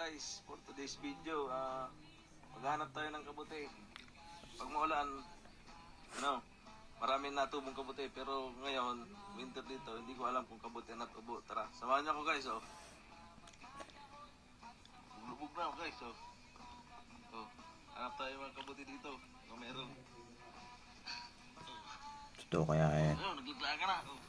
guys, for today's video, maghanap tayo ng kabuti. Pag maulan, maraming natubong kabuti. Pero ngayon, winter dito, hindi ko alam kung kabuti na tubo. Tara, samahan niyo ako guys, oh. Lubog na ako guys, oh. Oh, hanap tayo mga kabuti dito. Kung meron. Ito kaya eh. Ayun, naglagla ka na, oh.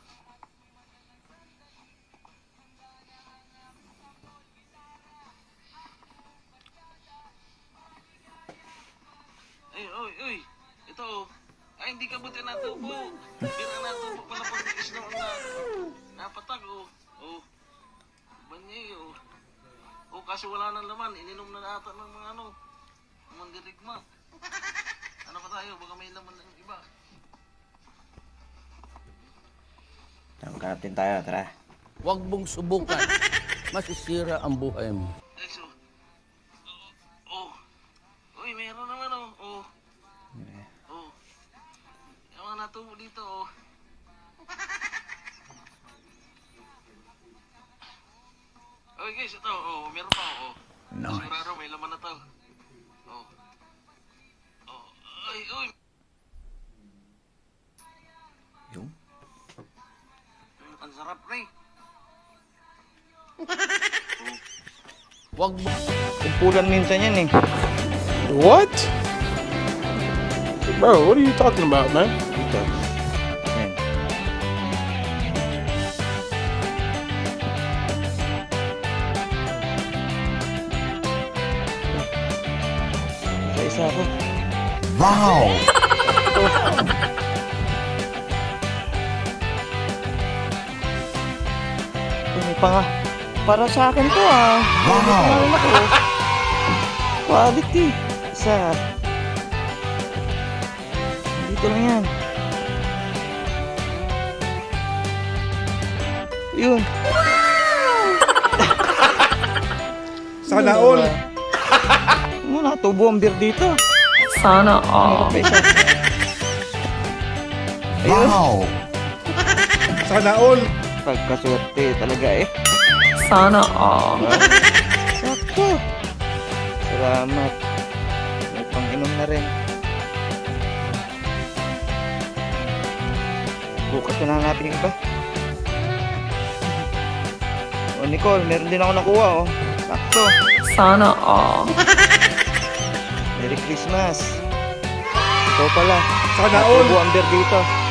Uy, ito oh. Ay, hindi kabuti natubo. Bira natubo pala pag isno na napatag oh. Oh. Banyay oh. Oh, kasi wala nang laman. Ininom na ata ng mga mandirigma. Ano pa tayo? Baka may laman ng iba. Tangkatin tayo, tara. Huwag mong subukan. Masisira ang buhay mo. Guys oh. Oh. Uy, meron naman oh. Oh. Oh. Yung mga natubo dito oh. Okay guys, ito oh, meron pa oh. Nice. Sigurado may laman na to. Oh. Oh. Ay, uy. Yung? Ang sarap pre. Huwag mo... Kumpulan minsan yan eh. What? Bro, what are you talking about, man? Ito. Yan. Isa-isa ako. Wow! May panga. Para sa akin to ah. Wow! Quality. Isa. Dito lang yan. Yun. Sana all. Muna, tubo ang beer dito. Sana all. Wow! Sana all. Pagkaswerte talaga eh. Sana all. Sakto. Salamat. May pang-inom na rin. Bukas na hanapin yung iba. O Nicole, meron din ako nakuha oh. Sakto. Sana all. Merry Christmas. Ito pala. Sana all. Tubo ang beer dito.